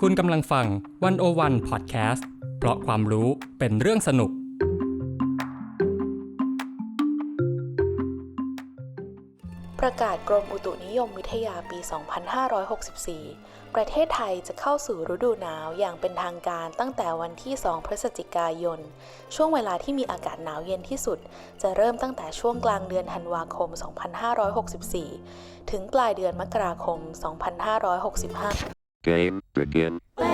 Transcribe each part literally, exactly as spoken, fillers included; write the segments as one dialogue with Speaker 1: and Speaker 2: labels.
Speaker 1: คุณกำลังฟังวันโอวันพอดแคสต์เพราะความรู้เป็นเรื่องสนุก
Speaker 2: ประกาศกรมอุตุนิยมวิทยาปี สองพันห้าร้อยหกสิบสี่ ประเทศไทยจะเข้าสู่ฤดูหนาวอย่างเป็นทางการตั้งแต่วันที่ สองพฤศจิกายน ช่วงเวลาที่มีอากาศหนาวเย็นที่สุดจะเริ่มตั้งแต่ช่วงกลางเดือนธันวาคม สองพันห้าร้อยหกสิบสี่ ถึงปลายเดือนมกราคม สองพันห้าร้อยหกสิบห้า
Speaker 3: Game begin.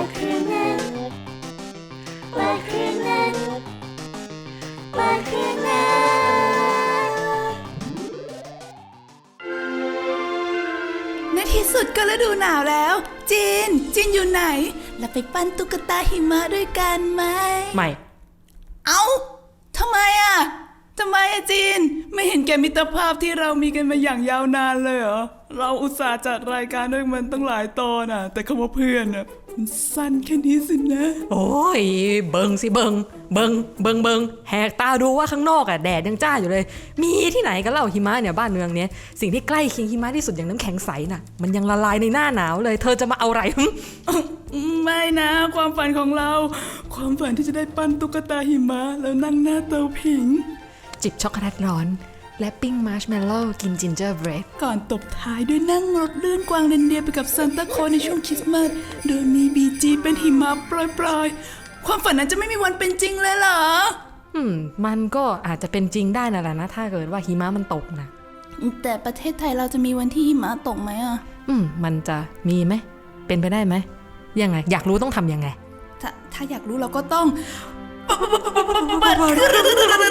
Speaker 4: ในที่สุดก็ฤดูหนาวแล้วจีนจีนอยู่ไหนเราไปปั้นตุ๊กตาหิมะด้วยกันไหม
Speaker 5: ไม่
Speaker 4: เอ้าทำไมอ่ะทำไมอ่ะจีนไม่เห็นแกมิตรภาพที่เรามีกันมาอย่างยาวนานเลยเหรอเราอุตส่าห์จัดรายการด้วยมันตั้งหลายตอนอ่ะแต่คำว่าเพื่อนอ่ะมันสั้นแค่นี้สินะ
Speaker 5: โอ้ยเบิงสิเบิงเบิงเบิงเบิงแหกตาดูว่าข้างนอกอ่ะแดดยังจ้าอยู่เลยมีที่ไหนกันเล่าหิมะเนี่ยบ้านเมืองเนี้ยสิ่งที่ใกล้เคียงหิมะที่สุดอย่างน้ำแข็งใสน่ะมันยังละลายในหน้าหนาวเลยเธอจะมาเอาอะไร
Speaker 4: ไม่นะความฝันของเราความฝันที่จะได้ปั้นตุ๊กตาหิมะแล้วนั่งหน้าเตาผิง
Speaker 5: จิบช็อกโกแลตร้อนและปิ้งมาร์ชเมลโล่กินจินเจอร์เบรด
Speaker 4: ก่อนตบท้ายด้วยนั่งรถเลื่อนกวางเรนเดียร์ไปกับซานต้าคลอสในช่วงคริสต์มาสโดยมีบีจีเป็นหิมะปลอยๆความฝันนั้นจะไม่มีวันเป็นจริงเลยเหรอ
Speaker 5: อืมมันก็อาจจะเป็นจริงได้นั่นแหละนะถ้าเกิดว่าหิมะมันตกนะ
Speaker 4: แต่ประเทศไทยเราจะมีวันที่หิมะตกไหมอ่ะ
Speaker 5: อืมมันจะมีไหมเป็นไปได้ไหมยังไงอยากรู้ต้องทำยังไง
Speaker 4: ถ้าถ้าอยากรู้เราก็ต้องเปิดเครื่อง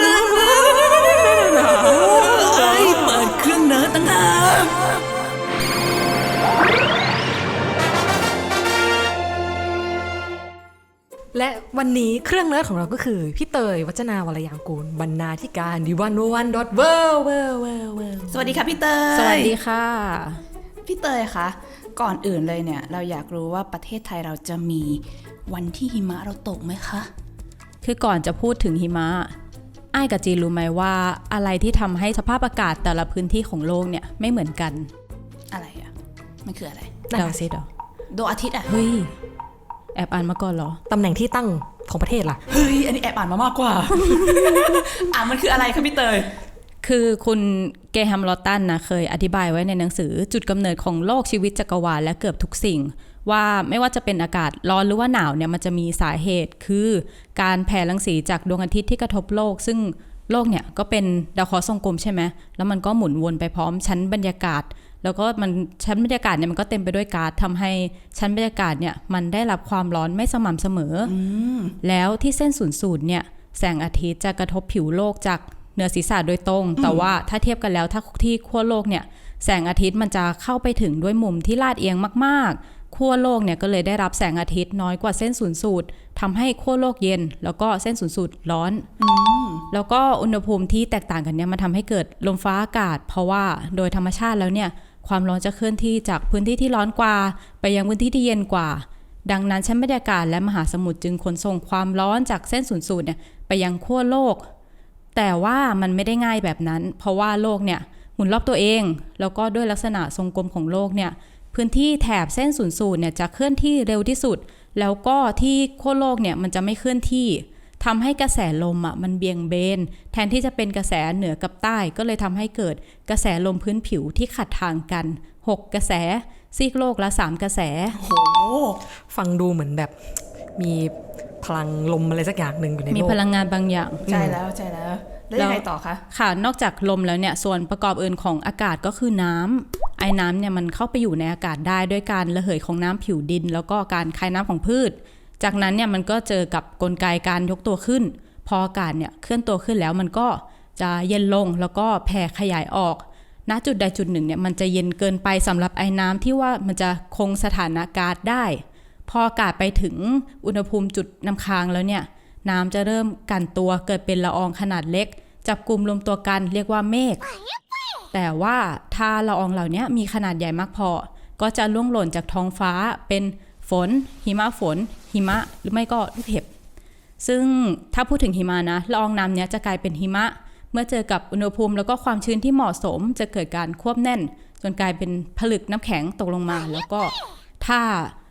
Speaker 4: เปิดเครื่องเนิร์ดตั้งหาก
Speaker 5: และวันนี้เครื่องเนิร์ดของเราก็คือพี่เตยวัจนาวรยางกูลบรรณาธิการดิวันโอวันดอทเวิลด์เวิลด์เวิลด์เวิลด์
Speaker 4: สวัสดีค่ะพี่เตย
Speaker 5: สวัสดีค่ะ
Speaker 4: พี่เตยคะก่อนอื่นเลยเนี่ยเราอยากรู้ว่าประเทศไทยเราจะมีวันที่หิมะเราตกไหมคะ
Speaker 6: คือก่อนจะพูดถึงหิมะอ้ายกับจีนรู้ไหมว่าอะไรที่ทำให้สภาพอากาศแต่ละพื้นที่ของโลกเนี่ยไม่เหมือนกัน
Speaker 4: อะไรอ่ะมันคืออะไร
Speaker 6: ดาวซิดเหรอ
Speaker 4: ดวงอาทิตย์อ่ะ
Speaker 6: เฮ้ยแอบอ่านมาก่อนเหรอ
Speaker 5: ตำแหน่งที่ตั้งของประเทศล่ะ
Speaker 4: เฮ้ยอันนี้แอบอ่านมามากกว่า อ่ะมันคืออะไรคะพี่เตย
Speaker 6: คือคุณเกแฮมลอตตันนะเคยอธิบายไว้ในหนังสือจุดกำเนิดของโลกชีวิตจักรวาลและเกือบทุกสิ่งว่าไม่ว่าจะเป็นอากาศร้อนหรือว่าหนาวเนี่ยมันจะมีสาเหตุคือการแผ่รังสีจากดวงอาทิตย์ที่กระทบโลกซึ่งโลกเนี่ยก็เป็นดาวเคราะห์ทรงกลมใช่ไหมแล้วมันก็หมุนวนไปพร้อมชั้นบรรยากาศแล้วก็มันชั้นบรรยากาศเนี่ยมันก็เต็มไปด้วยก๊าซทำให้ชั้นบรรยากาศเนี่ยมันได้รับความร้อนไม่สม่ำเสมอ
Speaker 4: ม
Speaker 6: แล้วที่เส้นศูนย์สูตรเนี่ยแสงอาทิตย์จะกระทบผิวโลกจากเหนือศีรษะโดยตรงแต่ว่าถ้าเทียบกันแล้วถ้าที่ขั้วโลกเนี่ยแสงอาทิตย์มันจะเข้าไปถึงด้วยมุมที่ลาดเอียงมากๆขั้วโลกเนี่ยก็เลยได้รับแสงอาทิตย์น้อยกว่าเส้นศูนย์สูตรทำให้ขั้วโลกเย็นแล้วก็เส้นศูนย์สูตรร้อนแล้วก็อุณหภูมิที่แตกต่างกันเนี่ยมันทำให้เกิดลมฟ้าอากาศเพราะว่าโดยธรรมชาติแล้วเนี่ยความร้อนจะเคลื่อนที่จากพื้นที่ที่ร้อนกว่าไปยังพื้นที่ที่เย็นกว่าดังนั้นชั้นบรรยากาศและมหาสมุทรจึงขนส่งความร้อนจากเส้นศูนย์สูตรเนี่ยไปยังขั้วโลกแต่ว่ามันไม่ได้ง่ายแบบนั้นเพราะว่าโลกเนี่ยหมุนรอบตัวเองแล้วก็ด้วยลักษณะทรงกลมของโลกเนี่ยพื้นที่แถบเส้นศูนย์สูตรเนี่ยจะเคลื่อนที่เร็วที่สุดแล้วก็ที่ขั้วโลกเนี่ยมันจะไม่เคลื่อนที่ทำให้กระแสลมอ่ะมันเบี่ยงเบนแทนที่จะเป็นกระแสเหนือกับใต้ก็เลยทำให้เกิดกระแสลมพื้นผิวที่ขัดทางกันหกกระแสซีกโลกละสามกระแส
Speaker 5: โหฟังดูเหมือนแบบมีพลังลมอะไรสักอย่างหนึ่งอยู่ในโลก
Speaker 6: มีพลังงานบางอย่าง
Speaker 4: ใช่แล้วใช่แล้วแล้วยังไงต่อคะ
Speaker 6: ค่ะนอกจากลมแล้วเนี่ยส่วนประกอบอื่นของอากาศก็คือน้ำไอ้น้ำเนี่ยมันเข้าไปอยู่ในอากาศได้ด้วยการระเหยของน้ำผิวดินแล้วก็การคายน้ำของพืชจากนั้นเนี่ยมันก็เจอกับกลไกการยกตัวขึ้นพออากาศเนี่ยเคลื่อนตัวขึ้นแล้วมันก็จะเย็นลงแล้วก็แผ่ขยายออกณจุดใดจุดหนึ่งเนี่ยมันจะเย็นเกินไปสำหรับไอ้น้ำที่ว่ามันจะคงสถานะก๊าซได้พออากาศไปถึงอุณหภูมิจุดน้ำค้างแล้วเนี่ยน้ำจะเริ่มกันตัวเกิดเป็นละอองขนาดเล็กจับกลุ่มรวมตัวกันเรียกว่าเมฆแต่ว่าถ้าละอองเหล่านี้มีขนาดใหญ่มากพอก็จะล่วงหล่นจากท้องฟ้าเป็นฝนหิมะฝนหิมะหรือไม่ก็ลูกเห็บซึ่งถ้าพูดถึงหิมะนะละอองน้ำเนี้ยจะกลายเป็นหิมะเมื่อเจอกับอุณหภูมิแล้วก็ความชื้นที่เหมาะสมจะเกิดการควบแน่นจนกลายเป็นผลึกน้ำแข็งตกลงมาแล้วก็ถ้า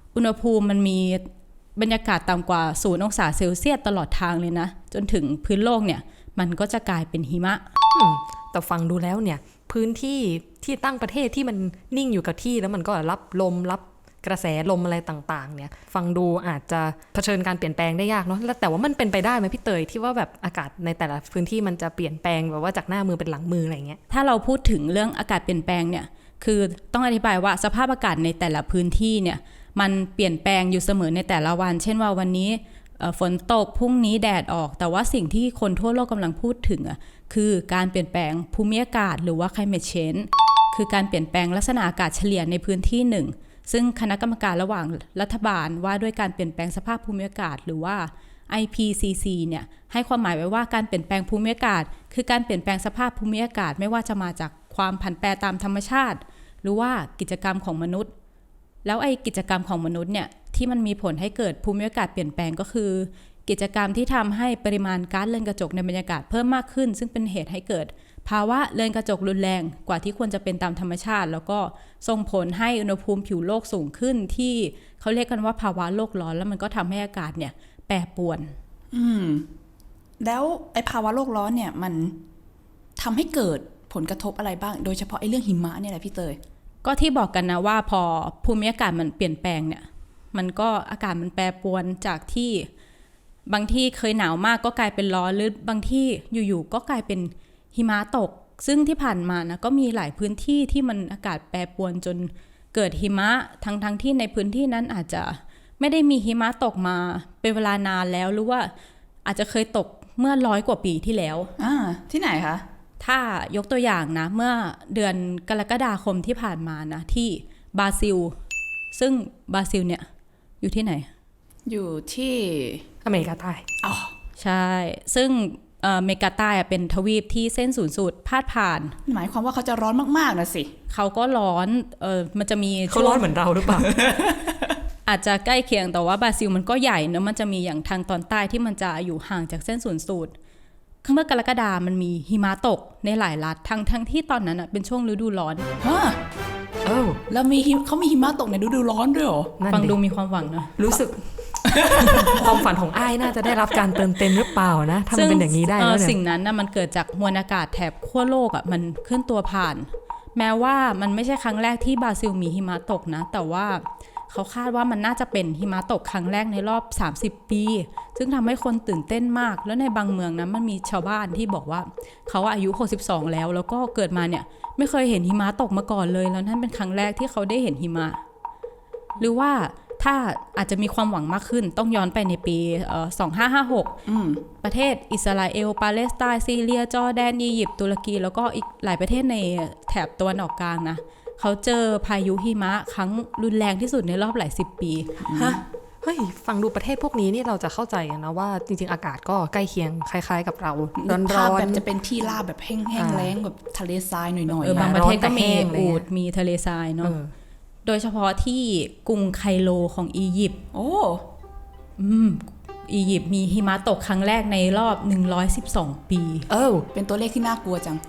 Speaker 6: อุณหภูมิมันมีบรรยากาศต่ำกว่าศูนย์องศาเซลเซียสตลอดทางเลยนะจนถึงพื้นโลกเนี่ยมันก็จะกลายเป็นหิมะ
Speaker 5: อืมแต่ฟังดูแล้วเนี่ยพื้นที่ที่ตั้งประเทศที่มันนิ่งอยู่กับที่แล้วมันก็รับลมรับกระแสลมอะไรต่างๆเนี่ยฟังดูอาจจะเผชิญการเปลี่ยนแปลงได้ยากเนาะแล้วแต่ว่ามันเป็นไปได้ไหมพี่เตยที่ว่าแบบอากาศในแต่ละพื้นที่มันจะเปลี่ยนแปลงแบบว่าจากหน้ามือเป็นหลังมืออะไรเงี้ย
Speaker 6: ถ้าเราพูดถึงเรื่องอากาศเปลี่ยนแปลงเนี่ยคือต้องอธิบายว่าสภาพอากาศในแต่ละพื้นที่เนี่ยมันเปลี่ยนแปลงอยู่เสมอในแต่ละวันเช่นว่าวันนี้ฝนตกพรุ่งนี้แดดออกแต่ว่าสิ่งที่คนทั่วโลกกำลังพูดถึงอ่ะคือการเปลี่ยนแปลงภูมิอากาศหรือว่า climate change คือการเปลี่ยนแปลงลักษณะอากาศเฉลี่ยในพื้นที่หนึ่งซึ่งคณะกรรมการระหว่างรัฐบาลว่าด้วยการเปลี่ยนแปลงสภาพภูมิอากาศหรือว่า ไอ พี ซี ซี เนี่ยให้ความหมายไว้ว่าการเปลี่ยนแปลงภูมิอากาศคือการเปลี่ยนแปลงสภาพภูมิอากาศไม่ว่าจะมาจากความผันแปรตามธรรมชาติหรือว่ากิจกรรมของมนุษย์แล้วไอ้กิจกรรมของมนุษย์เนี่ยที่มันมีผลให้เกิดภูมิอากาศเปลี่ยนแปลงก็คือกิจกรรมที่ทำให้ปริมาณก๊าซเรือนกระจกในบรรยากาศเพิ่มมากขึ้นซึ่งเป็นเหตุให้เกิดภาวะเรือนกระจกรุนแรงกว่าที่ควรจะเป็นตามธรรมชาติแล้วก็ส่งผลให้อุณหภูมิผิวโลกสูงขึ้นที่เขาเรียกกันว่าภาวะโลกร้อนแล้วมันก็ทำให้อากาศเนี่ยแปรปรวน
Speaker 4: อืมแล้วไอ้ภาวะโลกร้อนเนี่ยมันทำให้เกิดผลกระทบอะไรบ้างโดยเฉพาะไอ้เรื่องหิมะเนี่ยแหละพี่เตย
Speaker 6: ก็ที่บอกกันนะว่าพอภูมิอากาศมันเปลี่ยนแปลงเนี่ยมันก็อากาศมันแปรปรวนจากที่บางที่เคยหนาวมากก็กลายเป็นร้อนหรือบางที่อยู่ๆก็กลายเป็นหิมะตกซึ่งที่ผ่านมานะก็มีหลายพื้นที่ที่มันอากาศแปรปรวนจนเกิดหิมะทั้งๆ ท, ที่ในพื้นที่นั้นอาจจะไม่ได้มีหิมะตกมาเป็นเวลานานแล้วหรือว่าอาจจะเคยตกเมื่อร้อยกว่าปีที่แล้ว
Speaker 4: อ่าที่ไหนคะ
Speaker 6: ถ้ายกตัวอย่างนะเมื่อเดือนกรกฎาคมที่ผ่านมานะที่บราซิลซึ่งบราซิลเนี่ยอยู่ที่ไหน
Speaker 4: อยู่ที่
Speaker 5: อเมริกาใต้
Speaker 4: อ๋อ
Speaker 6: ใช่ซึ่งอเมริกาใต้เป็นทวีปที่เส้นศูนย์สูตรพาดผ่าน
Speaker 4: หมายความว่าเขาจะร้อนมากๆนะสิ
Speaker 6: เขาก็ร้อนเออมันจะมี
Speaker 5: เขาร้อนเหมือนเราหรือเปล่า
Speaker 6: อาจจะใกล้เคียงแต่ว่าบราซิลมันก็ใหญ่เนอะมันจะมีอย่างทางตอนใต้ที่มันจะอยู่ห่างจากเส้นศูนย์สูตรเมื่อกรกฎามันมีหิมะตกในหลายรัฐทั้งทั้งที่ตอนนั้นอ่ะเป็นช่วงฤดูร้อน
Speaker 4: ฮะเออแล้วมีเขามีหิมะตกในฤดูร้อนด้วยเหรอ
Speaker 6: ฟังดูมีความหวังนะ
Speaker 5: รู้สึก ความฝันของอ้ายน่าจะได้รับการเติมเต็มหรือเปล่านะถ้ามันเป็นอย่างนี้ได้แล้วเนี่ย
Speaker 6: สิ่งนั้นนะมันเกิดจากมวลอากาศแถบขั้วโลกอ่ะมันเคลื่อนตัวผ่านแม้ว่ามันไม่ใช่ครั้งแรกที่บราซิลมีหิมะตกนะแต่ว่าเขาคาดว่ามันน่าจะเป็นหิมะตกครั้งแรกในรอบสามสิบปีซึ่งทำให้คนตื่นเต้นมากแล้วในบางเมืองนะมันมีชาวบ้านที่บอกว่าเขาอายุหกสิบสองแล้วแล้วก็เกิดมาเนี่ยไม่เคยเห็นหิมะตกมาก่อนเลยแล้วนั่นเป็นครั้งแรกที่เขาได้เห็นหิมะหรือว่าถ้าอาจจะมีความหวังมากขึ้นต้องย้อนไปในปีเอ่อสองพันห้าร้อยห้าสิบหกประเทศอิสราเอลปาเลสไตน์ซีเรียจอร์แดนอียิปต์ตุรกีแล้วก็อีกหลายประเทศในแถบตะวันออกกลางนะเขาเจอพายุหิมะครั้งรุนแรงที่สุดในรอบหลายสิบปี
Speaker 5: ฮะเฮ้ยฟังดูประเทศพวกนี้นี่เราจะเข้าใจกันนะว่าจริงๆอากาศก็ใกล้เคียงคล้ายๆกับเราร้อนร้อน
Speaker 4: แบบจะเป็นที่ราบแบบแห้งๆแล้งแบบทะเลทรายหน่อยๆเอ
Speaker 6: อบางประเทศก็มีอูฐมีทะเลทรายเนาะโดยเฉพาะที่กรุงไคโรของอียิปต์
Speaker 4: โอ้
Speaker 6: อืมอียิปต์มีหิมะตกครั้งแรกในรอบหนึ่งร้อยสิบสองปี
Speaker 4: เออเป็นตัวเลขที่น่ากลัวจัง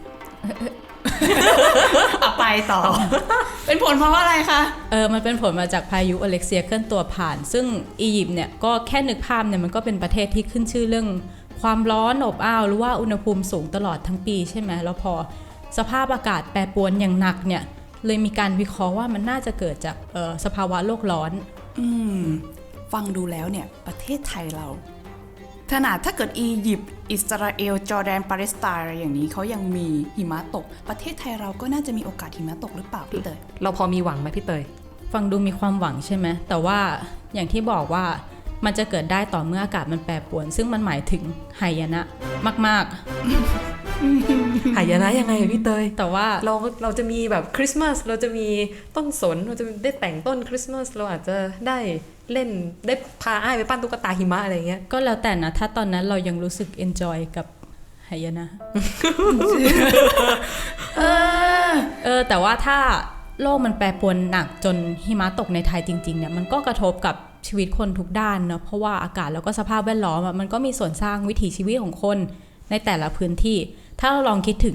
Speaker 4: เอาไปต่อเป็นผลเพราะว่าอะไรคะ
Speaker 6: เออมันเป็นผลมาจากพายุอเล็กเซียเคลื่อนตัวผ่านซึ่งอียิปต์เนี่ยก็แค่นึกภาพเนี่ยมันก็เป็นประเทศที่ขึ้นชื่อเรื่องความร้อนอบอ้าวหรือว่าอุณหภูมิสูงตลอดทั้งปีใช่ไหมแล้วพอสภาพอากาศแปรปรวนอย่างหนักเนี่ยเลยมีการวิเคราะห์ว่ามันน่าจะเกิดจากสภาวะโลกร้อน
Speaker 4: อืมฟังดูแล้วเนี่ยประเทศไทยเราขนาดถ้าเกิดอียิปต์อิสราเอลจอร์แดนปาเลสไตน์อะไรอย่างนี้เขายังมีหิมะตกประเทศไทยเราก็น่าจะมีโอกาสหิมะตกหรือเปล่าพี่เตย
Speaker 5: เราพอมีหวังไหมพี่เตย
Speaker 6: ฟังดูมีความหวังใช่ไหมแต่ว่าอย่างที่บอกว่ามันจะเกิดได้ต่อเมื่ออากาศมันแปรปรวนซึ่งมันหมายถึงหายนะมาก
Speaker 5: ๆ หายนะยังไงพี่เตย
Speaker 6: แต่ว่า
Speaker 5: เราเราจะมีแบบคริสต์มาสเราจะมีต้นสนเราจะได้แต่งต้นคริสต์มาสเราอาจจะได้เล่นได้พาอ้ายไปปั้นตุ๊กตาหิมะอะไรเงี้ย
Speaker 6: ก็แล้วแต่นะถ้าตอนนั้นเรายังรู้สึกเอนจอยกับหายนะ เออเออแต่ว่าถ้าโลกมันแปรปรวนหนักจนหิมะตกในไทยจริงๆเนี่ยมันก็กระทบกับชีวิตคนทุกด้านเนาะเพราะว่าอากาศแล้วก็สภาพแวดล้อมมันก็มีส่วนสร้างวิถีชีวิตของคนในแต่ละพื้นที่ถ้าเราลองคิดถึง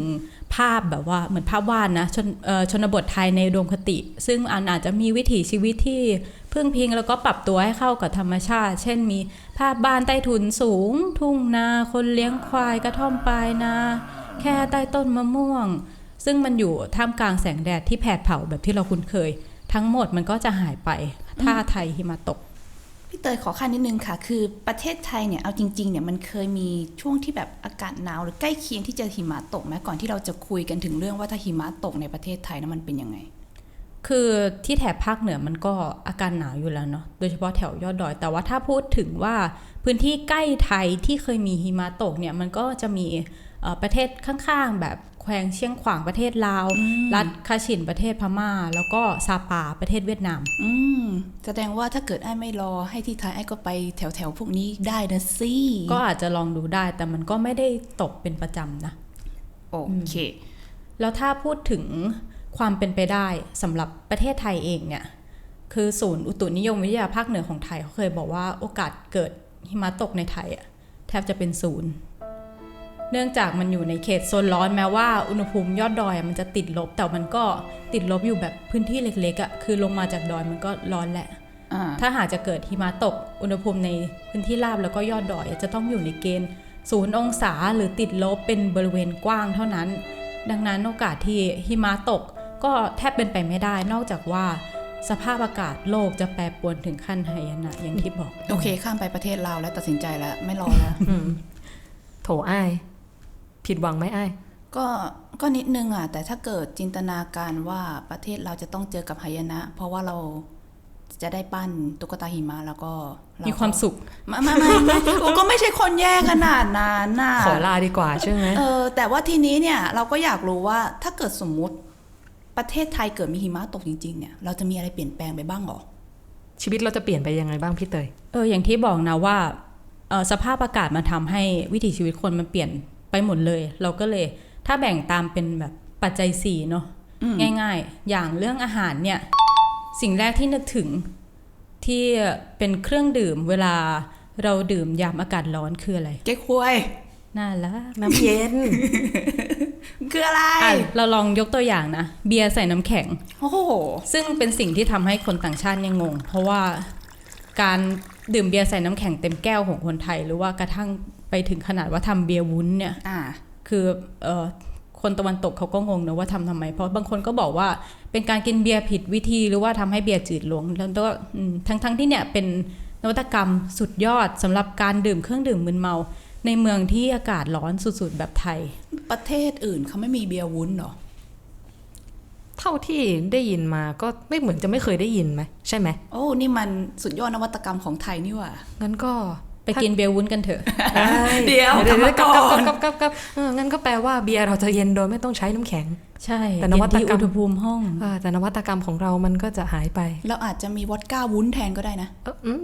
Speaker 6: ภาพแบบว่าเหมือนภาพวาดนะชนเอ่อชนบทไทยในอุดมคติ ซึ่งอันอาจจะมีวิถีชีวิตที่พึ่งพิงแล้วก็ปรับตัวให้เข้ากับธรรมชาติ เช่นมีภาพบ้านใต้ถุนสูง ทุ่งนาคนเลี้ยงควายกระท่อมปลายนาแค่ใต้ต้นมะม่วง ซึ่งมันอยู่ท่ามกลางแสงแดดที่แผดเผาแบบที่เราคุ้นเคย ทั้งหมดมันก็จะหายไปถ้าไทยหิมะตก
Speaker 4: พี่เตยขอขั้นนิดนึงค่ะคือประเทศไทยเนี่ยเอาจริงๆเนี่ยมันเคยมีช่วงที่แบบอากาศหนาวหรือใกล้เคียงที่จะหิมะตกไหมก่อนที่เราจะคุยกันถึงเรื่องว่าถ้าหิมะตกในประเทศไทยนั้นมันเป็นยังไง
Speaker 6: คือที่แถบภาคเหนือมันก็อากาศหนาวอยู่แล้วเนาะโดยเฉพาะแถวยอดดอยแต่ว่าถ้าพูดถึงว่าพื้นที่ใกล้ไทยที่เคยมีหิมะตกเนี่ยมันก็จะมีประเทศข้างๆแบบแขวงเชียงขวางประเทศลาวรัฐคาชินประเทศพม่าแล้วก็ซาปาประเทศเวียดนาม
Speaker 4: อืมแสดงว่าถ้าเกิดไอ้ไม่รอให้ที่ไทยไอ้ก็ไปแถวๆพวกนี้ได้นะสิ
Speaker 6: ก็อาจจะลองดูได้แต่มันก็ไม่ได้ตกเป็นประจำนะ
Speaker 4: โอเค
Speaker 6: แล้วถ้าพูดถึงความเป็นไปได้สำหรับประเทศไทยเองเนี่ยคือศูนย์อุตุนิยมวิทยาภาคเหนือของไทยเขาเคยบอกว่าโอกาสเกิดหิมะตกในไทยอะแทบจะเป็นศูนย์เนื่องจากมันอยู่ในเขตโซนร้อนแม้ว่าอุณหภูมิยอดดอยมันจะติดลบแต่มันก็ติดลบอยู่แบบพื้นที่เล็กๆอะคือลงมาจากดอยมันก็ร้อนแหละถ้าหากจะเกิดหิมะตกอุณหภูมิในพื้นที่ราบแล้วก็ยอดดอยจะต้องอยู่ในเกณฑ์ศูนย์องศาหรือติดลบเป็นบริเวณกว้างเท่านั้นดังนั้นโอกาสที่หิมะตกก็แทบเป็นไปไม่ได้นอกจากว่าสภาพอากาศโลกจะแปรปรวนถึงขั้นหายนะอย่างที่บอก
Speaker 4: โอเคข้ามไปประเทศลาวแล้วตัดสินใจแล้วไม่รอแล้ว
Speaker 5: โถอ้ายผิดหวังไหมอ้าย
Speaker 4: ก็ก็นิดนึงอ่ะแต่ถ้าเกิดจินตนาการว่าประเทศเราจะต้องเจอกับหายนะเพราะว่าเราจะได้ปั้นตุ๊กตาหิมะแล้วก็
Speaker 6: มีความสุข
Speaker 4: ไม่ไม่ไม่ไม่ก็ไม่ใช่คนแย่ขนาดนั้นน่ะ
Speaker 5: ขอลาดีกว่าใช่ไหม
Speaker 4: เออแต่ว่าทีนี้เนี่ยเราก็อยากรู้ว่าถ้าเกิดสมมุติประเทศไทยเกิดมีหิมะตกจริงๆเนี่ยเราจะมีอะไรเปลี่ยนแปลงไปบ้างหรอ
Speaker 5: ชีวิตเราจะเปลี่ยนไปยังไงบ้างพี่เตย
Speaker 6: เอออย่างที่บอกนะว่าสภาพอากาศมาทำให้วิถีชีวิตคนมันเปลี่ยนไปหมดเลยเราก็เลยถ้าแบ่งตามเป็นแบบปัจจัยสี่เนาะง่ายๆอย่างเรื่องอาหารเนี่ยสิ่งแรกที่นึกถึงที่เป็นเครื่องดื่มเวลาเราดื่มยามอากาศร้อนคืออะไร
Speaker 4: เก๊กฮวย
Speaker 6: น่าละ
Speaker 5: น้ำเย็น
Speaker 4: คืออะไร
Speaker 6: เราลองยกตัวอย่างนะเบียร์ใส่น้ำแข็ง
Speaker 4: โอ้โห
Speaker 6: ซึ่งเป็นสิ่งที่ทำให้คนต่างชาติยังงงเพราะว่าการดื่มเบียร์ใส่น้ำแข็งเต็มแก้วของคนไทยหรือว่ากระทั่งไปถึงขนาดว่าทำเบียร์วุ้นเนี่ยคือเอ่อคนตะวันตกเขาก็งงนะว่าทำทำไมเพราะบางคนก็บอกว่าเป็นการกินเบียร์ผิดวิธีหรือว่าทำให้เบียร์จืดลงแล้วก็ทั้งทั้งที่เนี่ยเป็นนวัตกรรมสุดยอดสำหรับการดื่มเครื่องดื่มมึนเมาในเมืองที่อากาศร้อนสุดๆแบบไทย
Speaker 4: ประเทศอื่นเขาไม่มีเบียร์วุ้นหรอ
Speaker 5: เท่าที่ได้ยินมาก็ไม่เหมือนจะไม่เคยได้ยินไหมใช่ไหม
Speaker 4: โอ้นี่มันสุดยอดนวัตกรรมของไทยนี่ว่ะ
Speaker 5: งั้นก็
Speaker 6: ไปกินเบียร์วุ้นกันเถอะ
Speaker 4: เดี๋ยว
Speaker 5: เดี๋ยวกับกับกับกับกับงั้นก็แปลว่าเบียร์เราจะเย็นโดยไม่ต้องใช้น้ำแข็ง
Speaker 6: ใช่แต่นวัตกรรมอุณหภูมิห้อง
Speaker 5: แต่นวัตกรรมของเรามันก็จะหายไป
Speaker 4: เราอาจจะมีวอดก้าวุ้นแทนก็ได้นะ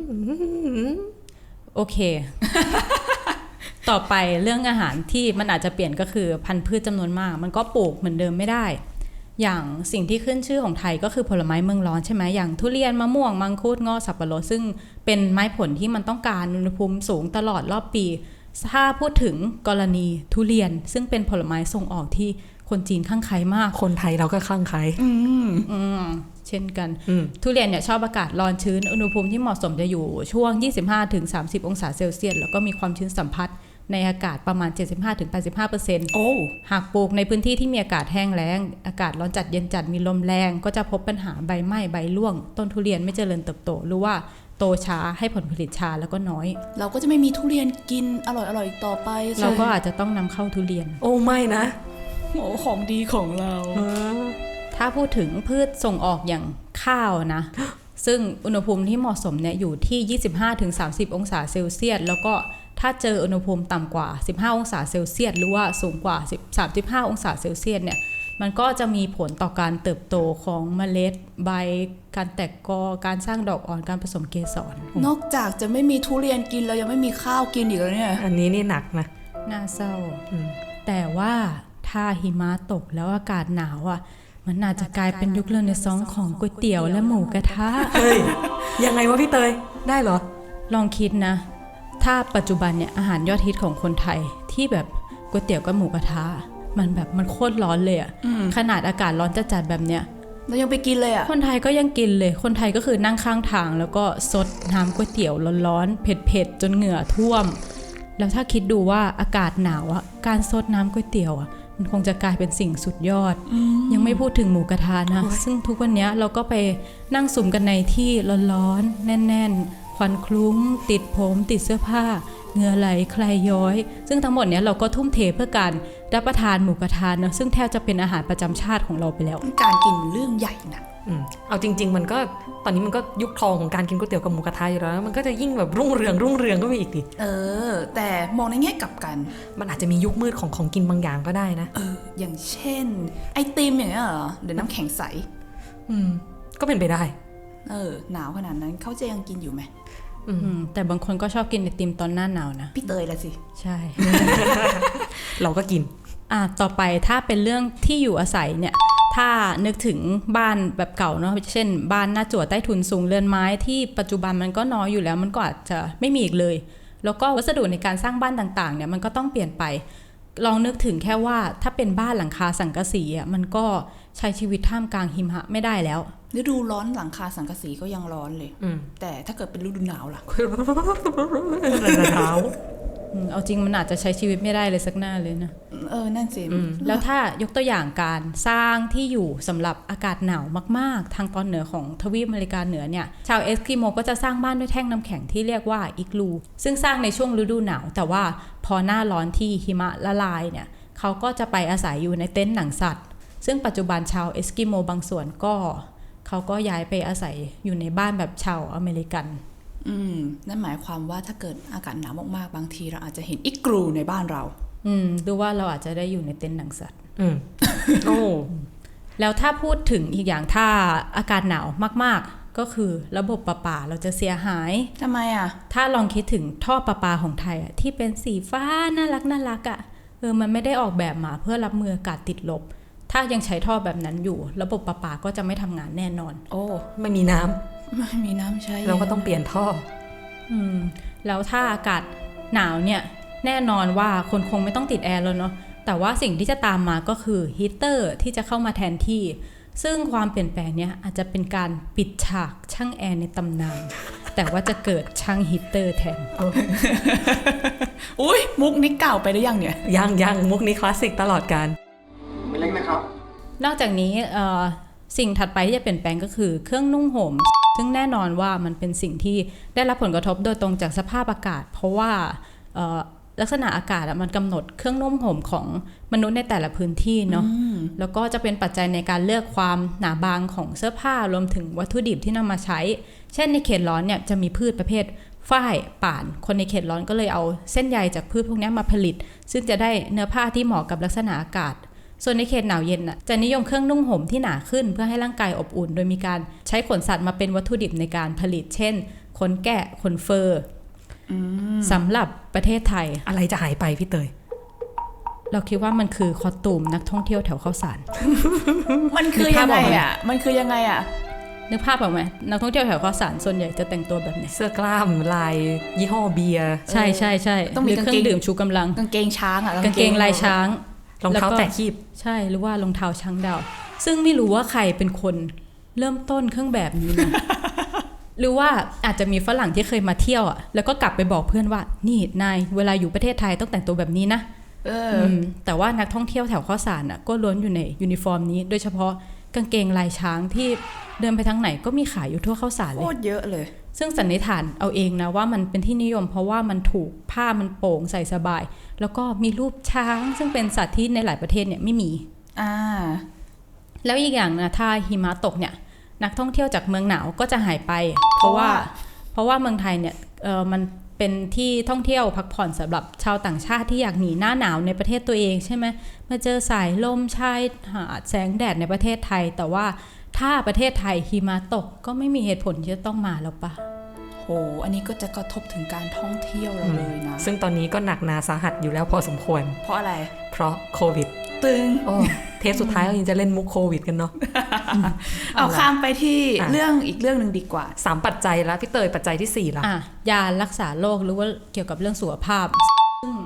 Speaker 6: โอเคต่อไปเรื่องอาหารที่มันอาจจะเปลี่ยนก็คือพันธุ์พืชจำนวนมากมันก็ปลูกเหมือนเดิมไม่ได้อย่างสิ่งที่ขึ้นชื่อของไทยก็คือผลไม้เมืองร้อนใช่ไหมอย่างทุเรียนมะม่วงมังคุดเงาะสับปะรดซึ่งเป็นไม้ผลที่มันต้องการอุณหภูมิสูงตลอดรอบปีถ้าพูดถึงกรณีทุเรียนซึ่งเป็นผลไม้ส่งออกที่คนจีนข้างใครมาก
Speaker 5: คนไทยเราก็ข้างใคร
Speaker 6: อืมอืมเช่นกันทุเรียนเนี่ยชอบอากาศร้อนชื้นอุณหภูมิที่เหมาะสมจะอยู่ช่วง ยี่สิบห้าถึงสามสิบ องศาเซลเซียสแล้วก็มีความชื้นสัมผัสในอากาศประมาณ เจ็ดสิบห้าถึงแปดสิบห้าเปอร์เซ็นต์
Speaker 4: โอ้
Speaker 6: หากปลูกในพื้นที่ที่มีอากาศแห้งแล้งอากาศร้อนจัดเย็นจัดมีลมแรงก็จะพบปัญหาใบไหม้ใบร่วงต้นทุเรียนไม่เจริญเติบโตหรือว่าโตช้าให้ผลผลิตช้าแล้วก็น้อย
Speaker 4: เราก็จะไม่มีทุเรียนกินอร่อยๆอีกต่อไป
Speaker 6: เราก็อาจจะต้องนำเข้าทุเรียน
Speaker 5: โอ้ไม่นะ
Speaker 4: โอ้ของดีของเรา
Speaker 6: ถ้าพูดถึงพืชส่งออกอย่างข้าวนะซึ่งอุณหภูมิที่เหมาะสมเนี่ยอยู่ที่ ยี่สิบห้าถึงสามสิบ องศาเซลเซียสแล้วก็ถ้าเจออุณหภูมิต่ำกว่าสิบห้าองศาเซลเซียสหรือว่าสูงกว่าสามสิบห้าองศาเซลเซียสเนี่ยมันก็จะมีผลต่อการเติบโตของเมล็ดใบการแตกกอการสร้างดอกอ่อนการผสมเกสร
Speaker 4: นอกจากจะไม่มีทุเรียนกินแล้วยังไม่มีข้าวกินอีกแล้วเนี่ย
Speaker 5: อันนี้นี่หนักนะ
Speaker 6: น่าเศร้าแต่ว่าถ้าหิมะตกแล้วอากาศหนาวอ่ะมันอาจจะกลายเป็นยุคเรเนซองส์ของก๋วยเตี๋ยวและหมูกระทะ
Speaker 5: เฮ้ยยังไงวะพี่เตยได้เหรอ
Speaker 6: ลองคิดนะถ้าปัจจุบันเนี่ยอาหารยอดฮิตของคนไทยที่แบบก๋วยเตี๋ยวกับหมูกระทะมันแบบมันโคตรร้อนเลยอะขนาดอากาศร้อนจัดๆแบบเนี้ย
Speaker 4: เรายังไปกินเลยอ่ะ
Speaker 6: คนไทยก็ยังกินเลยคนไทยก็คือนั่งข้างทางแล้วก็ซดน้ำก๋วยเตี๋ยวร้อนๆเผ็ดๆจนเหงื่อท่วมแล้วถ้าคิดดูว่าอากาศหนาวอะการซดน้ำก๋วยเตี๋ยวอะมันคงจะกลายเป็นสิ่งสุดยอดยังไม่พูดถึงหมูกระทะนะซึ่งทุกวันนี้เราก็ไปนั่งสุ่มกันในที่ร้อนๆแน่นๆควันคลุ้งติดผมติดเสื้อผ้าเหงื่อไหลใครย้อยซึ่งทั้งหมดเนี้ยเราก็ทุ่มเทเพื่อการรับประทานหมูกระทะนะซึ่งแทบจะเป็นอาหารประจำชาติของเราไปแล้ว
Speaker 4: การกินเรื่องใหญ่นะ
Speaker 5: อืมเอาจริงๆมันก็ตอนนี้มันก็ยุคทองของการกินก๋วยเตี๋ยวกับหมูกระทะอยู่แล้วมันก็จะยิ่งแบบรุ่งเรืองรุ่งเรืองก็ไปอีกดิ
Speaker 4: เออแต่มองในแง่กลับกัน
Speaker 5: มันอาจจะมียุคมืดของของกินบางอย่างก็ได้นะ
Speaker 4: เอออย่างเช่นไอติมอย่างเงี้ยเหรอเดี๋ยวน้ำแข็งใส
Speaker 5: อืมก็เป็นไปได้
Speaker 4: เออหนาวขนาดนั้นเขาจะยังกินอยู่ไหม
Speaker 6: อืมแต่บางคนก็ชอบกินไอติมตอนหน้าหนาวนะ
Speaker 4: พี่เตยละสิ
Speaker 6: ใช่
Speaker 5: เราก็กิน
Speaker 6: อ่ะต่อไปถ้าเป็นเรื่องที่อยู่อาศัยเนี่ยถ้านึกถึงบ้านแบบเก่าเนาะเช่นบ้านหน้าจั่วใต้ถุนสูงเรือนไม้ที่ปัจจุบันมันก็น้อยอยู่แล้วมันก็อาจจะไม่มีอีกเลยแล้วก็วัสดุในการสร้างบ้านต่างๆเนี่ยมันก็ต้องเปลี่ยนไปลองนึกถึงแค่ว่าถ้าเป็นบ้านหลังคาสังกะสีอ่ะมันก็ใช้ชีวิตท่ามกลางหิมะไม่ได้แล้ว
Speaker 4: ฤดูร้อนหลังคาสังกะสีก็ยังร้อนเลยแต่ถ้าเกิดเป็นฤดูหนาวล่ะ
Speaker 6: หนาวเอาจริงมันอาจจะใช้ชีวิตไม่ได้เลยสักหน้าเลยนะ
Speaker 4: เออนั่นสิ
Speaker 6: แล้วถ้ายกตัวอย่างการสร้างที่อยู่สำหรับอากาศหนาวมากๆทางตอนเหนือของทวีปอเมริกาเหนือเนี่ยชาวเอสกิโมก็จะสร้างบ้านด้วยแท่งน้ำแข็งที่เรียกว่าอิกลูซึ่งสร้างในช่วงฤดูหนาวแต่ว่าพอหน้าร้อนที่หิมะละลายเนี่ยเขาก็จะไปอาศัยอยู่ในเต็นท์หนังสัตว์ซึ่งปัจจุบันชาวเอสกิโมบางส่วนก็เขาก็ย้ายไปอาศัยอยู่ในบ้านแบบชาวอเมริกัน
Speaker 4: อืมนั่นหมายความว่าถ้าเกิดอากาศหนาวมากๆบางทีเราอาจจะเห็นอิกรูในบ้านเรา
Speaker 6: อืมดูว่าเราอาจจะได้อยู่ในเต็นท์หนังสัตว์
Speaker 5: อืมโอ้
Speaker 6: แล้วถ้าพูดถึงอีกอย่างถ้าอากาศหนาวมากๆก็คือระบบประปาเราจะเสียหาย
Speaker 4: ทำไมอ่ะ
Speaker 6: ถ้าลองคิดถึงท่อประปาของไทยอ่ะที่เป็นสีฟ้าน่ารักน่ารักอ่ะเออมันไม่ได้ออกแบบมาเพื่อรับมืออากาศติดลบถ้ายังใช้ท่อแบบนั้นอยู่ระบบประปาก็จะไม่ทำงานแน่นอน
Speaker 5: โอ้ไม่มีน้ำ
Speaker 4: ไม่มีน้ำใช้
Speaker 5: เราก็ต้องเปลี่ยนท่อ
Speaker 6: อืมแล้วถ้าอากาศหนาวเนี่ยแน่นอนว่าคนคงไม่ต้องติดแอร์แล้วเนาะแต่ว่าสิ่งที่จะตามมาก็คือฮีเตอร์ที่จะเข้ามาแทนที่ซึ่งความเปลี่ยนแปลงเนี้ยอาจจะเป็นการปิดฉากช่างแอร์ในตำนานแต่ว่าจะเกิดช่างฮีเตอร์แทน
Speaker 4: อุ้ยมุกนี้เก่าไปหรือยังเนี่ย
Speaker 5: ยังยังมุกนี้คลาสสิกตลอดกาล
Speaker 3: ไม่เล็กนะครับ
Speaker 6: นอกจากนี้เอ่อสิ่งถัดไปที่จะเปลี่ยนแปลงก็คือเครื่องนุ่งห่มซึ่งแน่นอนว่ามันเป็นสิ่งที่ได้รับผลกระทบโดยตรงจากสภาพอากาศเพราะว่าลักษณะอากาศมันกำหนดเครื่องนุ่งห่มของมนุษย์ในแต่ละพื้นที่เนาะแล้วก็จะเป็นปัจจัยในการเลือกความหนาบางของเสื้อผ้ารวมถึงวัตถุดิบที่นำมาใช้เช่นในเขตร้อนเนี่ยจะมีพืชประเภทฝ้ายป่านคนในเขตร้อนก็เลยเอาเส้นใยจากพืชพวกนี้มาผลิตซึ่งจะได้เนื้อผ้าที่เหมาะกับลักษณะอากาศส่วนในเขตหนาวเย็นน่ะจะนิยมเครื่องนุ่งห่มที่หนาขึ้นเพื่อให้ร่างกายอบอุ่นโดยมีการใช้ขนสัตว์มาเป็นวัตถุดิบในการผลิตเช่นขนแกะขนเฟอร์สำหรับประเทศไทย
Speaker 5: อะไรจะหายไปพี่เตย
Speaker 6: เราคิดว่ามันคือคอสตูมนักท่องเที่ยวแถวข้าวสาร
Speaker 4: มันคือยังไงอ่ะมันคือยังไงอ่ะ
Speaker 6: นึกภาพออกไหมนักท่องเที่ยวแถวข้าวสารส่วนใหญ่จะแต่งตัวแบบไหน
Speaker 5: เสื้อกล้ามลายยี่ห้อเบียร์
Speaker 6: ใช่ใช่ใช่
Speaker 4: ต้องมี
Speaker 6: เครื่องดื่มชูกำลัง
Speaker 4: กางเกงช้างอ่ะ
Speaker 6: กางเกงลายช้าง
Speaker 5: รองเท้าแตะคีบ
Speaker 6: ใช่หรือว่ารองเท้าช้างดาวซึ่งไม่รู้ว่าใครเป็นคนเริ่มต้นเครื่องแบบนี้นะ หรือว่าอาจจะมีฝรั่งที่เคยมาเที่ยวอ่ะแล้วก็กลับไปบอกเพื่อนว่านี่นายเวลาอยู่ประเทศไทยต้องแต่งตัวแบบนี้นะ
Speaker 4: เออ
Speaker 6: แต่ว่านักท่องเที่ยวแถวข้าวสารอ่ะก็ล้วนอยู่ในยูนิฟอร์มนี้โดยเฉพาะกางเกงลายช้างที่เดินไปทางไหนก็มีขายอยู่ทั่วข้าวสารเลย
Speaker 4: โคตรเยอะเลย
Speaker 6: ซึ่งสันนิษฐานเอาเองนะว่ามันเป็นที่นิยมเพราะว่ามันถูกผ้ามันโปร่งใส่สบายแล้วก็มีรูปช้างซึ่งเป็นสัตว์ที่ในหลายประเทศเนี่ยไม่มี
Speaker 4: อ่า
Speaker 6: แล้วอีกอย่างนะถ้าหิมะตกเนี่ยนักท่องเที่ยวจากเมืองหนาวก็จะหายไปเพราะว่าเพราะว่าเมืองไทยเนี่ยเออมันเป็นที่ท่องเที่ยวพักผ่อนสำหรับชาวต่างชาติที่อยากหนีหน้าหนาวในประเทศตัวเองใช่ไหมมาเจอสายลมชายหาดแสงแดดในประเทศไทยแต่ว่าถ้าประเทศไทยหิมะตกก็ไม่มีเหตุผลที่จะต้องมาแล้วปะ
Speaker 4: โหอันนี้ก็จะกระทบถึงการท่องเที่ยวเราเลยนะ
Speaker 5: ซึ่งตอนนี้ก็หนักหนาสาหัสอยู่แล้วพอสมควร
Speaker 4: เพราะอะไร
Speaker 5: เพราะโควิด
Speaker 4: ตึง
Speaker 5: โอ้เทปสุดท้ายเรายังจะเล่นมุกโควิดกันเนาะ
Speaker 4: เอาข้ามไปที่เรื่องอีกเรื่องนึงดีกว่า
Speaker 5: สามปัจจัยแล้วพี่เตยปัจจัยที่สี่ละ
Speaker 6: อ่ะยารักษาโรคหรือว่าเกี่ยวกับเรื่องสุขภาพซึ่ง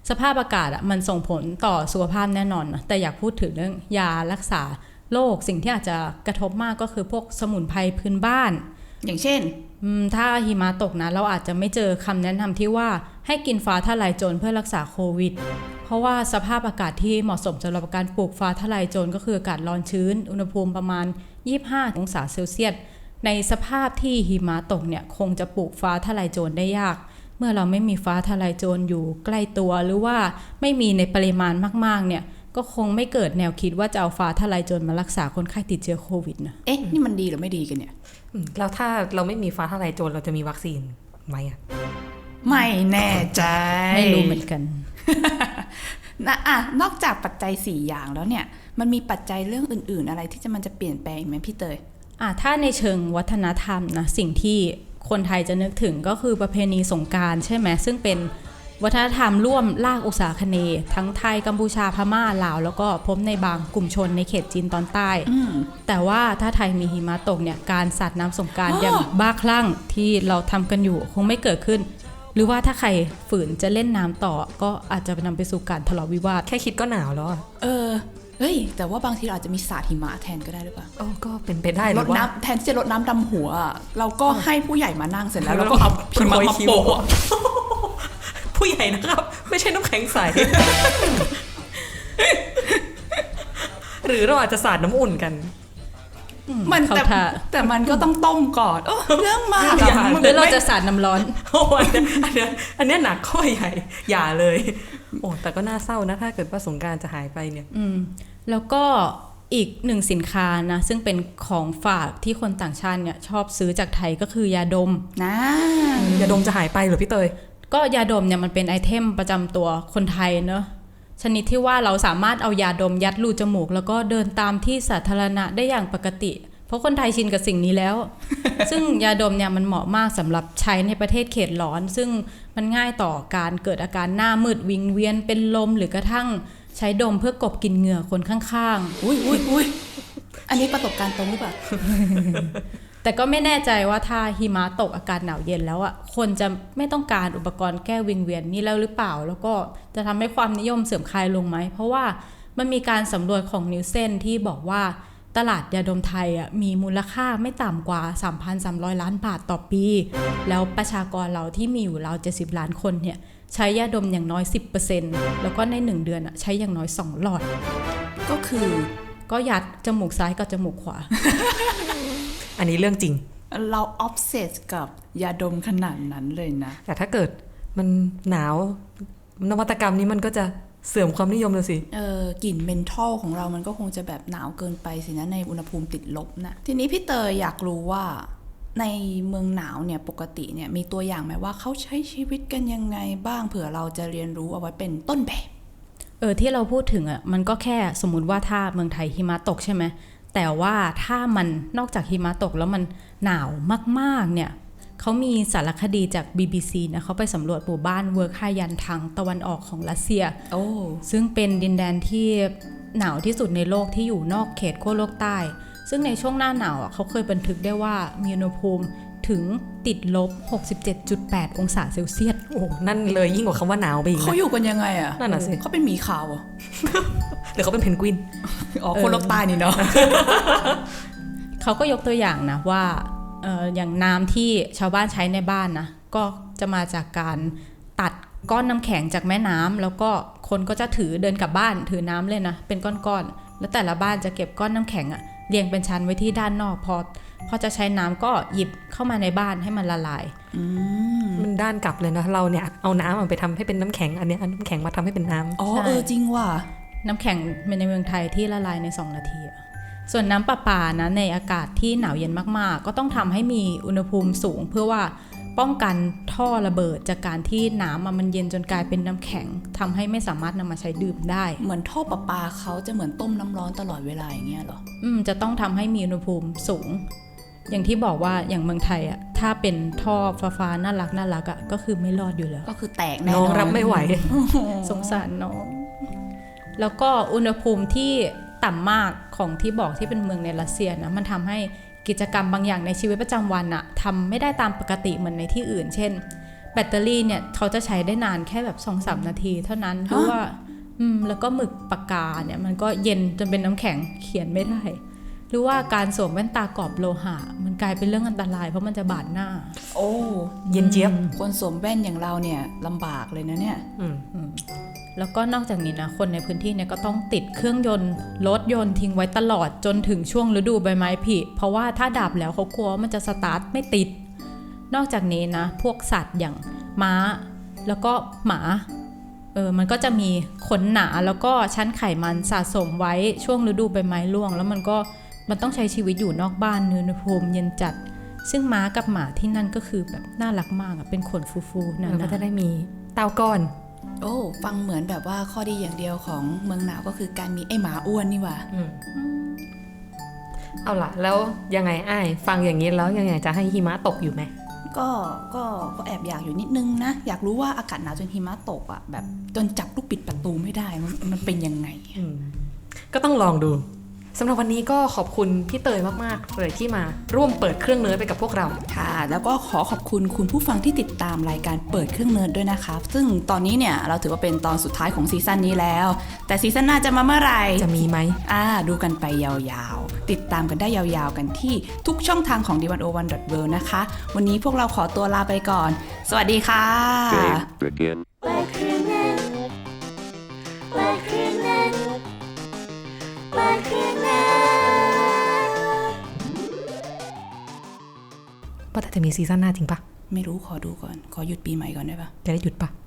Speaker 6: สภาพอากาศอ่ะมันส่งผลต่อสุขภาพแน่นอนนะแต่อยากพูดถึงเรื่องยารักษาโรคสิ่งที่อาจจะกระทบมากก็คือพวกสมุนไพรพื้นบ้าน
Speaker 4: อย่างเช่น
Speaker 6: ถ้าหิมะตกนะเราอาจจะไม่เจอคำแนะนำที่ว่าให้กินฟ้าทะลายโจรเพื่อรักษาโควิดเพราะว่าสภาพอากาศที่เหมาะสมสำหรับการปลูกฟ้าทะลายโจรก็คืออากาศร้อนชื้นอุณหภูมิประมาณยี่สิบห้าองศาเซลเซียสในสภาพที่หิมะตกเนี่ยคงจะปลูกฟ้าทะลายโจรได้ยากเมื่อเราไม่มีฟ้าทะลายโจรอยู่ใกล้ตัวหรือว่าไม่มีในปริมาณมากๆเนี่ยก็คงไม่เกิดแนวคิดว่าจะเอาฟ้าทะลายโจรมารักษาคนไข้ติดเชื้อโควิดนะ
Speaker 4: เอ๊ะนี่มันดีหรือไม่ดีกันเนี่ย
Speaker 5: แล้วถ้าเราไม่มีฟ้าทะลายโจรเราจะมีวัคซีนไหมอ่ะ
Speaker 4: ไม่แน่ใจ
Speaker 6: ไม่รู้เหมือนกัน
Speaker 4: นะอ่ะนอกจากปัจจัยสี่อย่างแล้วเนี่ยมันมีปัจจัยเรื่องอื่นๆอะไรที่จะมันจะเปลี่ยนแปลงไหมพี่เตย
Speaker 6: อ่ะถ้าในเชิงวัฒนธรรมนะสิ่งที่คนไทยจะนึกถึงก็คือประเพณีสงกรานต์ใช่ไหมซึ่งเป็นวัฒนธรรมร่วมลากอุษาคเนย์ทั้งไทยกัมพูชาพม่าลาวแล้วก็พบในบางกลุ่มชนในเขตจีนตอนใต้แต่ว่าถ้าไทยมีหิมะตกเนี่ยการสาดน้ำสงกรานต์อย่างบ้าคลั่งที่เราทำกันอยู่คงไม่เกิดขึ้นหรือว่าถ้าใครฝืนจะเล่นน้ำต่อก็อาจจะนำไปสู่การทะเลาะวิวาท
Speaker 5: แค่คิดก็หนาวแล้ว
Speaker 4: เออเฮ้ยแต่ว่าบางทีเราอาจจะมีสาดหิมะแทนก็ได้หรือเปล่า
Speaker 5: โอ้ก็เป็นไปได้หรือ
Speaker 4: ว่าแทนที่จะรดน้ำดำหัวเราก็ให้ผู้ใหญ่มานั่งเสร็จแล้วแล้วก็เอาหิมะมาโปะ
Speaker 5: ผู้ใหญ่นะครับไม่ใช่น้ำแข็งใส หรือเราอาจจะสาดน้ำอุ่นกัน
Speaker 4: มันแต่แต่มันก็ต้องต้มก่อนเรื่องมาก
Speaker 6: หรือเราจะสาดน้ำร้อน
Speaker 5: โอ้ยอันนี้อันนี้หนักข้อใหญ่อย่าเลยโอ้แต่ก็น่าเศร้านะถ้าเกิดว่าสงกรานต์จะหายไปเนี่ย
Speaker 6: อืมแล้วก็อีกหนึ่งสินค้านะซึ่งเป็นของฝากที่คนต่างชาติเนี่ยชอบซื้อจากไทยก็คือยาดม
Speaker 4: นะ
Speaker 5: ยาดมจะหายไปหรือพี่เตย
Speaker 6: ก็ยาดมเนี่ยมันเป็นไอเทมประจำตัวคนไทยเนอะชนิดที่ว่าเราสามารถเอายาดมยัดรูจมูกแล้วก็เดินตามที่สาธารณะได้อย่างปกติเพราะคนไทยชินกับสิ่งนี้แล้ว ซึ่งยาดมเนี่ยมันเหมาะมากสำหรับใช้ในประเทศเขตร้อนซึ่งมันง่ายต่อการเกิดอาการหน้ามืดวิงเวียนเป็นลมหรือกระทั่งใช้ดมเพื่อกลบกลิ่นเหงื่อคนข้าง
Speaker 4: ๆอุ้ยอุ้ยอุ้ยอันนี้ประสบการณ์ตรงหรือเปล่า
Speaker 6: แต่ก็ไม่แน่ใจว่าถ้าหิมะตกอากาศหนาวเย็นแล้วอ่ะคนจะไม่ต้องการอุปกรณ์แก้วิงเวียนนี่แล้วหรือเปล่าแล้วก็จะทำให้ความนิยมเสื่อมคลายลงไหมเพราะว่ามันมีการสำรวจของนิวเซนที่บอกว่าตลาดยาดมไทยอ่ะมีมูลค่าไม่ต่ำกว่า สามพันสามร้อย ล้านบาทต่อปีแล้วประชากรเราที่มีอยู่ราวเจ็ดสิบล้านคนเนี่ยใช้ยาดมอย่างน้อย สิบเปอร์เซ็นต์ แล้วก็ในหนึ่งเดือนอ่ะใช้อย่างน้อยสองหลอด
Speaker 4: ก็คือ
Speaker 6: ก็ยัดจมูกซ้ายกับจมูกขวา
Speaker 5: อันนี้เรื่องจริง
Speaker 4: เราออฟเซสกับยาดมขนาดนั้นเลยนะ
Speaker 5: แต่ถ้าเกิดมันหนาวนวัตกรรมนี้มันก็จะเสื่อมความนิยมเลยสิ
Speaker 4: เออกลิ่นเมนทอลของเรามันก็คงจะแบบหนาวเกินไปสินะในอุณหภูมิติดลบนะทีนี้พี่เตยอยากรู้ว่าในเมืองหนาวเนี่ยปกติเนี่ยมีตัวอย่างไหมว่าเขาใช้ชีวิตกันยังไงบ้างเผื่อเราจะเรียนรู้เอาไว้เป็นต้นแบบ
Speaker 6: เออที่เราพูดถึงอ่ะมันก็แค่สมมุติว่าถ้าเมืองไทยหิมะตกใช่ไหมแต่ว่าถ้ามันนอกจากหิมะตกแล้วมันหนาวมากๆเนี่ยเขามีสารคดีจาก บี บี ซี นะเขาไปสำรวจหมู่บ้านเวิร์กฮายันทางตะวันออกของรัสเซีย
Speaker 4: โอ้
Speaker 6: ซึ่งเป็นดินแดนที่หนาวที่สุดในโลกที่อยู่นอกเขตขั้วโลกใต้ซึ่งในช่วงหน้าหนาวเขาเคยบันทึกได้ว่ามีอุณหภูมิถึงติดลบ หกสิบเจ็ดจุดแปด องศาเซลเซียส
Speaker 5: โอ้นั่นเลยยิ่งกว่าคำว่าหนาวไปอีก
Speaker 4: เขาอยู่กันยังไงอ่ะ
Speaker 5: นั่นน่ะสิ
Speaker 4: เขาเป็นหมีขาวอ่ะ
Speaker 5: หรือเขาเป็นเพนกวิน
Speaker 4: อ๋อคนโลกใต้นี่เนาะ
Speaker 6: เขาก็ยกตัวอย่างนะว่าเอ่ออย่างน้ำที่ชาวบ้านใช้ในบ้านนะก็จะมาจากการตัดก้อนน้ำแข็งจากแม่น้ำแล้วก็คนก็จะถือเดินกลับบ้านถือน้ำเลยนะเป็นก้อนๆแล้วแต่ละบ้านจะเก็บก้อนน้ำแข็งอะเรียงเป็นชั้นไว้ที่ด้านนอกพอพอจะใช้น้ำก็หยิบเข้ามาในบ้านให้มันละลาย
Speaker 5: มันด้านกลับเลยนะเราเนี่ยเอาน้ำมันไปทำให้เป็นน้ำแข็งอันนี้เอาน้ำแข็งมาทำให้เป็นน้ำ
Speaker 4: อ๋อเออจริงว่ะ
Speaker 6: น้ำแข็งในเมืองไทยที่ละลายในสองนาทีส่วนน้ำประปานะในอากาศที่หนาวเย็นมากๆก็ต้องทำให้มีอุณหภูมิสูงเพื่อว่าป้องกันท่อระเบิดจากการที่น้ำมันเย็นจนกลายเป็นน้ำแข็งทำให้ไม่สามารถนำมาใช้ดื่มได้
Speaker 4: เหมือนท่อประปาเขาจะเหมือนต้มน้ำร้อนตลอดเวลาอย่างเงี้ยหรอ
Speaker 6: อืมจะต้องทำให้มีอุณหภูมิสูงอย่างที่บอกว่าอย่างเมืองไทยอ่ะถ้าเป็นท่อฟ้าๆน่ารักน่ารักอ่ะก็คือไม่รอดอยู่แล้ว
Speaker 4: ก็คือแตกแน่นอน
Speaker 5: น้องรับไม่ไหว
Speaker 6: สงสารน้องแล้วก็อุณหภูมิที่ต่ำมากของที่บอกที่เป็นเมืองในรัสเซียนะมันทำให้กิจกรรมบางอย่างในชีวิตประจำวันอะทำไม่ได้ตามปกติเหมือนในที่อื่นเช่นบตเตอรี่เนี่ยเขาจะใช้ได้นานแค่แบบ สองถึงสาม นาทีเท่านั้นหรือว่าอืมแล้วก็หมึกปากกาเนี่ยมันก็เย็นจนเป็นน้ำแข็งเขียนไม่ได้หรือว่าการสวมแว่นตากรอบโลหะมันกลายเป็นเรื่องอันตรายเพราะมันจะบาดหน้า
Speaker 4: โอ้
Speaker 5: เย็นเจี๊ยบ
Speaker 4: คนสวมแว่นอย่างเราเนี่ยลำบากเลยนะเนี่ย
Speaker 5: อืม
Speaker 6: แล้วก็นอกจากนี้นะคนในพื้นที่เนี่ยก็ต้องติดเครื่องยนต์รถยนต์ทิ้งไว้ตลอดจนถึงช่วงฤดูใบไม้ผลิเพราะว่าถ้าดับแล้วเขากลัวว่ามันจะสตาร์ทไม่ติดนอกจากนี้นะพวกสัตว์อย่างม้าแล้วก็หมาเออมันก็จะมีขนหนาแล้วก็ชั้นไขมันสะสมไว้ช่วงฤดูใบไม้ร่วงแล้วมันก็มันต้องใช้ชีวิตอยู่นอกบ้านอุณหภูมิเย็นจัดซึ่งม้ากับหมาที่นั่นก็คือแบบน่ารักมากอะเป็นขนฟูๆนั่น
Speaker 5: แล้วก็
Speaker 6: นะ
Speaker 5: จะได้มีเต้าก้อน
Speaker 4: โอ้ฟังเหมือนแบบว่าข้อดีอย่างเดียวของเมืองหนาวก็คือการมีไอหมาอ้วนนี่หว่า
Speaker 5: อืมเอาล่ะแล้วยังไงอ้ายฟังอย่างนี้แล้วยังไงจะให้หิมะตกอยู่ไหม
Speaker 4: ก็ก็ก็แอบอยากอยู่นิดนึงนะอยากรู้ว่าอากาศหนาวจนหิมะตกอ่ะแบบจนจับลูกปิดประตูไม่ได้มันมันเป็นยังไง
Speaker 5: อืมก็ต้องลองดูสำหรับวันนี้ก็ขอบคุณพี่เตยมากๆเลยที่มาร่วมเปิดเครื่องเนิร์ดไปกับพวกเรา
Speaker 4: ค่ะแล้วก็ขอขอบคุณคุณผู้ฟังที่ติดตามรายการเปิดเครื่องเนิร์ดด้วยนะคะซึ่งตอนนี้เนี่ยเราถือว่าเป็นตอนสุดท้ายของซีซั่นนี้แล้วแต่ซีซั่นหน้าจะมาเมื่อไหร่
Speaker 5: จะมีไหม
Speaker 4: อ่าดูกันไปยาวๆติดตามกันได้ยาวๆกันที่ทุกช่องทางของ ดี วัน โอ วัน ดอท เวิลด์ นะคะวันนี้พวกเราขอตัวลาไปก่อน สวัสดีค่ะ
Speaker 3: Game begin.
Speaker 5: ว่าแต่จะมีซีซั่นหน้าจริงปะ
Speaker 4: ไม่รู้ขอดูก่อนขอหยุดปีใหม่ก่อนได้ปะ
Speaker 5: จะได้หยุดปะ